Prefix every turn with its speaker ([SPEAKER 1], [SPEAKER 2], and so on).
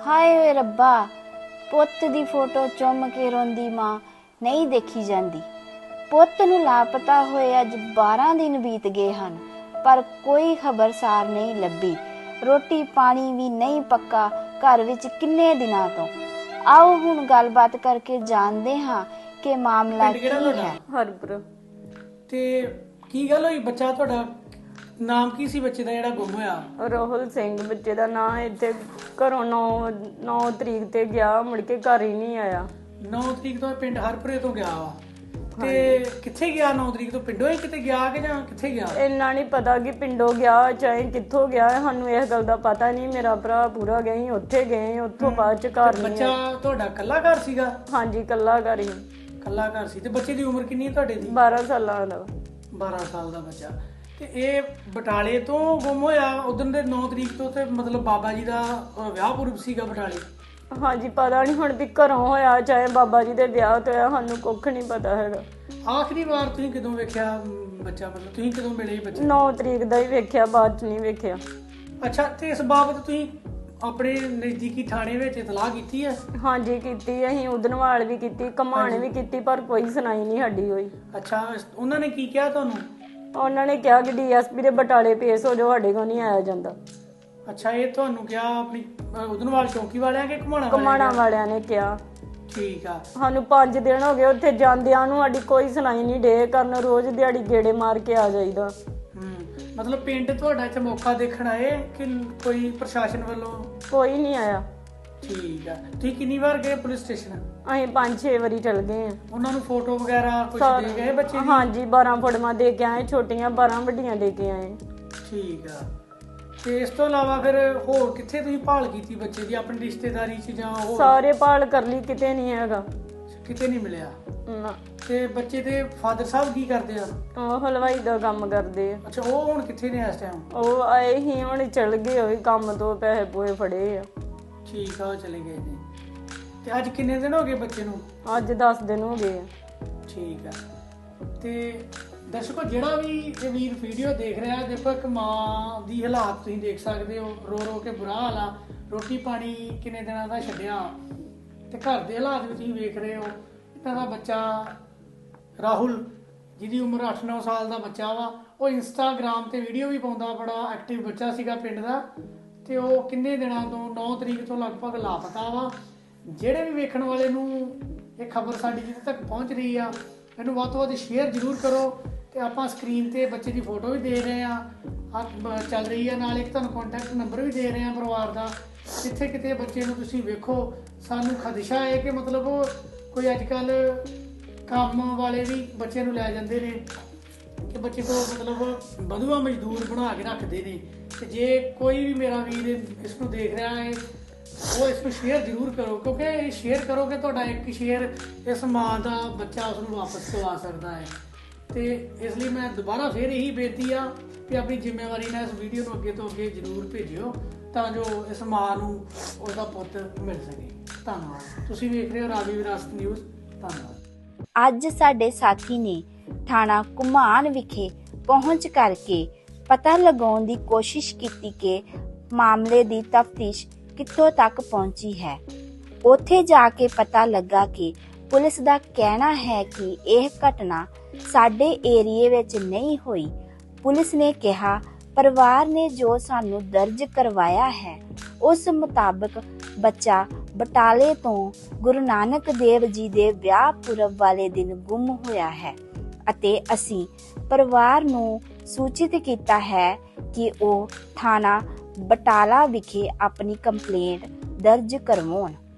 [SPEAKER 1] हाय वे रब्बा, पुत्त दी फोटो चुम के रोंदी मां नहीं देखी जांदी। पुत्त नूं लापता होए अज 12 दिन बीत गए हन, पर कोई खबरसार नहीं लभी। रोटी पानी भी नहीं पक्का घर विच किन्ने दिनां तों। आओ हुण गलबात करके जानदे हां कि मामला की है।
[SPEAKER 2] हरपुर
[SPEAKER 3] ते की गल होई? बच्चा तुहाडा नाम की सी बच्चे दा जेहड़ा गुम होया?
[SPEAKER 2] राहुल सिंह बच्चे दा नाम। इत्थे घरों 9 तरीक ते गया, मुड़ के घर ही नहीं आया।
[SPEAKER 3] 9 तरीक तो पिंड हरपुरे तो गया वा ते कित्थे गया? 9 तरीक तो पिंडों ही किते गया कि जां कित्थे गया?
[SPEAKER 2] इन्ना नहीं पता कि पिंडों गया चाहे कित्थों गया, सानू इस गल दा पता नहीं। मेरा भरा पूरा गए, उत्थे गए, उत्थों बाद च घर नहीं।
[SPEAKER 3] बच्चा तुहाडा कल्ला घर सीगा?
[SPEAKER 2] हाँ जी, कल्ला घर ही।
[SPEAKER 3] कल्ला घर सी। ते बच्चे दी उम्र किन्नी है तुहाडे दी?
[SPEAKER 2] 12 साल दा।
[SPEAKER 3] 12 साल दा बच्चा। ਤੇ ਇਹ ਬਟਾਲੇ ਤੋਂ ਗੁੰਮ ਹੋਇਆ ਉਦੋਂ ਦੇ 9 ਤਰੀਕ ਤੋਂ, ਤੇ ਮਤਲਬ ਬਾਬਾ ਜੀ ਦਾ ਵਿਆਹ ਪੁਰਬ ਸੀਗਾ ਬਟਾਲੇ?
[SPEAKER 2] हाँ जी, पता नहीं हुण भी घरों होया चाहे बाबा जी दे ब्याह तो होया, सानू कुछ नहीं पता हैगा।
[SPEAKER 3] ਆਖਰੀ ਵਾਰ ਤੁਸੀਂ ਕਦੋਂ ਵੇਖਿਆ ਬੱਚਾ? ਮਤਲਬ ਤੁਸੀਂ ਕਦੋਂ ਮਿਲੇ ਬੱਚੇ?
[SPEAKER 2] 9 ਤਰੀਕ ਦਾ ਹੀ ਵੇਖਿਆ, ਬਾਅਦ ਚ ਨਹੀਂ ਵੇਖਿਆ।
[SPEAKER 3] ਅੱਛਾ, ਤੇ ਇਸ ਬਾਬਤ ਤੁਸੀਂ ਆਪਣੇ ਨਜ਼ਦੀਕੀ ਥਾਣੇ ਵਿੱਚ ਇਤਲਾਹ ਕੀਤੀ ਹੈ?
[SPEAKER 2] हाँ जी ਕੀਤੀ, ਅਸੀਂ ਉਦਨਵਾਲ ਵੀ ਕੀਤੀ, ਘਮਾਣ ਵੀ ਕੀਤੀ, ਪਰ ਕੋਈ ਸੁਣਾਈ ਨਹੀਂ ਸਾਡੀ ਹੋਈ।
[SPEAKER 3] ਅੱਛਾ, ਉਹਨਾਂ ਨੇ ਕੀ ਕਿਹਾ ਤੁਹਾਨੂੰ?
[SPEAKER 2] ਉਹਨਾਂ ਨੇ ਕਿਹਾ ਕਿ ਡੀਐਸਪੀ ਦੇ ਬਟਾਲੇ ਪੇਸ਼ ਹੋ ਜਾਓ, ਸਾਡੇ ਕੋਲ ਨਹੀਂ ਆਇਆ ਜਾਂਦਾ।
[SPEAKER 3] ਅੱਛਾ, ਇਹ ਤੁਹਾਨੂੰ ਕਿਹਾ ਆਪਣੀ ਉਦਨਵਾਲ ਚੌਕੀ ਵਾਲਿਆਂ ਕਿ
[SPEAKER 2] ਘਮਾਣਾ ਵਾਲਿਆਂ ਨੇ ਕਿਹਾ।
[SPEAKER 3] ਠੀਕ ਆ।
[SPEAKER 2] ਸਾਨੂੰ 5 ਦਿਨ ਹੋ ਗਏ ਉੱਥੇ ਜਾਂਦਿਆਂ ਨੂੰ, ਸਾਡੀ ਕੋਈ ਸੁਣਾਈ ਨਹੀਂ ਡੇ ਕਰਨ। ਰੋਜ਼ ਦਿਹਾੜੀ ਗੇੜੇ ਮਾਰ ਕੇ ਆ ਜਾਈਦਾ।
[SPEAKER 3] ਮਤਲਬ ਪਿੰਡ ਤੁਹਾਡਾ ਇੱਥੇ ਮੌਕਾ ਦੇਖਣ ਆਏ ਕਿ ਕੋਈ ਪ੍ਰਸ਼ਾਸਨ ਵੱਲੋਂ? ਕੋਈ
[SPEAKER 2] ਨਹੀਂ ਆਇਆ।
[SPEAKER 3] ਠੀਕ ਆ। ਤੁਸੀਂ ਕਿੰਨੀ ਵਾਰ ਗਏ ਪੁਲਿਸ ਸਟੇਸ਼ਨ?
[SPEAKER 2] ਅਸੀਂ 5-6 ਵਾਰੀ ਚਲ ਗਏ ਆ।
[SPEAKER 3] ਉਹਨਾਂ ਨੂੰ ਫੋਟੋ ਵਗੈਰਾ ਕੁਝ ਦੇ ਗਏ ਬੱਚੇ ਦੀ?
[SPEAKER 2] ਹਾਂਜੀ, 12 ਫੋਟੋਆਂ ਦੇ ਕੇ ਆਏ, ਛੋਟੀਆਂ 12 ਵੱਡੀਆਂ ਦੇ ਕੇ ਆਏ।
[SPEAKER 3] ਠੀਕ ਆ। ਤੇ ਇਸ ਤੋਂ ਇਲਾਵਾ ਫਿਰ ਹੋਰ ਕਿੱਥੇ ਤੁਸੀਂ ਭਾਲ ਕੀਤੀ ਬੱਚੇ ਦੀ, ਆਪਣੀ ਰਿਸ਼ਤੇਦਾਰੀ 'ਚ ਜਾਂ ਹੋਰ?
[SPEAKER 2] ਸਾਰੇ ਭਾਲ ਕਰ ਲਈ, ਕਿਤੇ ਨਹੀਂ ਹੈਗਾ।
[SPEAKER 3] ਕਿਤੇ ਨਹੀਂ ਮਿਲਿਆ?
[SPEAKER 2] ਨਾ।
[SPEAKER 3] ਤੇ ਬੱਚੇ ਦੇ ਫਾਦਰ ਸਾਹਿਬ ਕੀ ਕਰਦੇ ਆ?
[SPEAKER 2] ਉਹ ਹਲਵਾਈ ਦਾ ਕੰਮ ਕਰਦੇ ਆ।
[SPEAKER 3] ਅੱਛਾ, ਉਹ ਹੁਣ ਕਿੱਥੇ ਨੇ ਇਸ ਟਾਈਮ?
[SPEAKER 2] ਉਹ ਆਏ ਹੀ ਹੁਣ ਚਲ ਗਏ, ਉਹ ਕੰਮ ਤੋਂ ਪੈਸੇ ਪੂਏ ਫੜੇ ਆ।
[SPEAKER 3] ਠੀਕ ਆ, ਉਹ ਚਲੇ ਗਏ ਨੇ। ਤੇ ਅੱਜ ਕਿੰਨੇ ਦਿਨ ਹੋ ਗਏ ਬੱਚੇ ਨੂੰ?
[SPEAKER 2] ਅੱਜ 10 ਦਿਨ ਹੋ ਗਏ ਆ।
[SPEAKER 3] ਠੀਕ ਆ। ਤੇ ਦਰਸ਼ਕੋ, ਜਿਹੜਾ ਵੀ ਇਹ ਵੀਰ ਵੀਡੀਓ ਦੇਖ ਰਿਹਾ, ਦੇਖੋ ਇੱਕ ਮਾਂ ਦੀ ਹਾਲਾਤ ਤੁਸੀਂ ਦੇਖ ਸਕਦੇ ਹੋ, ਰੋ ਰੋ ਕੇ ਬੁਰਾ ਹਾਲ ਆ। ਰੋਟੀ ਪਾਣੀ ਕਿੰਨੇ ਦਿਨਾਂ ਦਾ ਛੱਡਿਆ, ਤੇ ਘਰ ਦੇ ਹਾਲਾਤ ਵੀ ਤੁਸੀਂ ਵੇਖ ਰਹੇ ਹੋ। ਇਹਨਾਂ ਦਾ ਬੱਚਾ ਰਾਹੁਲ, ਜਿਹਦੀ ਉਮਰ 8-9 ਸਾਲ ਦਾ ਬੱਚਾ ਵਾ, ਉਹ ਇੰਸਟਾਗ੍ਰਾਮ ਤੇ ਵੀਡੀਓ ਵੀ ਪਾਉਂਦਾ, ਬੜਾ ਐਕਟਿਵ ਬੱਚਾ ਸੀਗਾ ਪਿੰਡ ਦਾ। ਤੇ ਉਹ ਕਿੰਨੇ ਦਿਨਾਂ ਤੋਂ, 9 ਤਰੀਕ ਤੋਂ ਲਗਭਗ ਲਾਪਤਾ ਵਾ। ਜਿਹੜੇ ਵੀ ਵੇਖਣ ਵਾਲੇ ਨੂੰ ਇਹ ਖਬਰ ਸਾਡੀ ਜਿੱਥੇ ਤੱਕ ਪਹੁੰਚ ਰਹੀ ਆ, ਇਹਨੂੰ ਵੱਧ ਤੋਂ ਵੱਧ ਸ਼ੇਅਰ ਜ਼ਰੂਰ ਕਰੋ। ਤੇ ਆਪਾਂ ਸਕਰੀਨ ਤੇ ਬੱਚੇ ਦੀ ਫੋਟੋ ਵੀ ਦੇ ਰਹੇ ਆ, ਚੱਲ ਰਹੀ ਆ, ਨਾਲ ਇੱਕ ਤੁਹਾਨੂੰ ਕੰਟੈਕਟ ਨੰਬਰ ਵੀ ਦੇ ਰਹੇ ਆ ਪਰਿਵਾਰ ਦਾ। ਜਿੱਥੇ ਕਿਤੇ ਬੱਚੇ ਨੂੰ ਤੁਸੀਂ ਵੇਖੋ, ਸਾਨੂੰ ਖਦਸ਼ਾ ਹੈ ਕਿ ਮਤਲਬ ਕੋਈ ਅੱਜ ਕੱਲ ਕੰਮ ਵਾਲੇ ਵੀ ਬੱਚੇ ਨੂੰ ਲੈ ਜਾਂਦੇ ਨੇ, ਕਿ ਬੱਚੇ ਕੋਲ ਮਤਲਬ ਬਧੂਆ ਮਜ਼ਦੂਰ ਬਣਾ ਕੇ ਰੱਖਦੇ ਨੇ। ਤੇ ਜੇ ਕੋਈ ਵੀ ਮੇਰਾ ਵੀਰ ਇਸ ਨੂੰ ਦੇਖ ਰਿਹਾ ਹੈ, ਉਹ ਇਸ ਨੂੰ ਸ਼ੇਅਰ ਜ਼ਰੂਰ ਕਰੋ, ਕਿਉਂਕਿ ਇਹ ਸ਼ੇਅਰ ਕਰੋਗੇ ਤੁਹਾਡਾ ਇੱਕ ਸ਼ੇਅਰ ਇਸ ਮਾਂ ਦਾ ਬੱਚਾ ਉਸ ਨੂੰ ਵਾਪਸ ਕਰਵਾ ਸਕਦਾ ਹੈ। ਤੇ ਇਸ ਲਈ ਮੈਂ ਦੁਬਾਰਾ ਫਿਰ ਇਹੀ ਬੇਨਤੀ ਆ ਕਿ ਆਪਣੀ ਜ਼ਿੰਮੇਵਾਰੀ ਨਾਲ ਇਸ ਵੀਡੀਓ ਨੂੰ ਅੱਗੇ ਤੋਂ ਅੱਗੇ ਜ਼ਰੂਰ ਭੇਜਿਓ, ਤਾਂ ਜੋ ਇਸ ਮਾਂ ਨੂੰ ਉਹਦਾ ਪੁੱਤ ਮਿਲ ਸਕੇ। ਧੰਨਵਾਦ। ਤੁਸੀਂ ਵੇਖ ਰਹੇ ਹੋ ਰਾਵੀ ਵਿਰਾਸਤ ਨਿਊਜ਼। ਧੰਨਵਾਦ।
[SPEAKER 1] ਅੱਜ ਸਾਡੇ ਸਾਥੀ ਨੇ ਥਾਣਾ ਘੁਮਾਣ ਵਿਖੇ ਪਹੁੰਚ ਕਰਕੇ ਪਤਾ ਲਗਾਉਣ ਦੀ ਕੋਸ਼ਿਸ਼ ਕੀਤੀ ਕਿ ਮਾਮਲੇ ਦੀ ਤਫਤੀਸ਼ ਕਿੱਥੋਂ ਤੱਕ ਪਹੁੰਚੀ ਹੈ। ਉੱਥੇ ਜਾ ਕੇ ਪਤਾ ਲੱਗਾ ਕਿ ਪੁਲਿਸ ਦਾ ਕਹਿਣਾ ਹੈ ਕਿ ਇਹ ਘਟਨਾ ਸਾਡੇ ਏਰੀਏ ਵਿੱਚ ਨਹੀਂ ਹੋਈ। ਪੁਲਿਸ ਨੇ ਕਿਹਾ, ਪਰਿਵਾਰ ਨੇ ਜੋ ਸਾਨੂੰ ਦਰਜ ਕਰਵਾਇਆ ਹੈ ਉਸ ਮੁਤਾਬਕ ਬੱਚਾ ਬਟਾਲੇ ਤੋਂ ਗੁਰੂ ਨਾਨਕ ਦੇਵ ਜੀ ਦੇ ਵਿਆਹ ਪੁਰਬ ਵਾਲੇ ਦਿਨ ਗੁੰਮ ਹੋਇਆ ਹੈ ਅਤੇ ਅਸੀਂ ਪਰਿਵਾਰ ਨੂੰ ਸੂਚਿਤ ਕੀਤਾ ਹੈ ਕਿ ਉਹ ਥਾਣਾ ਬਟਾਲਾ ਵਿਖੇ ਆਪਣੀ ਕੰਪਲੇਂਟ ਦਰਜ ਕਰਵਾਉਣ।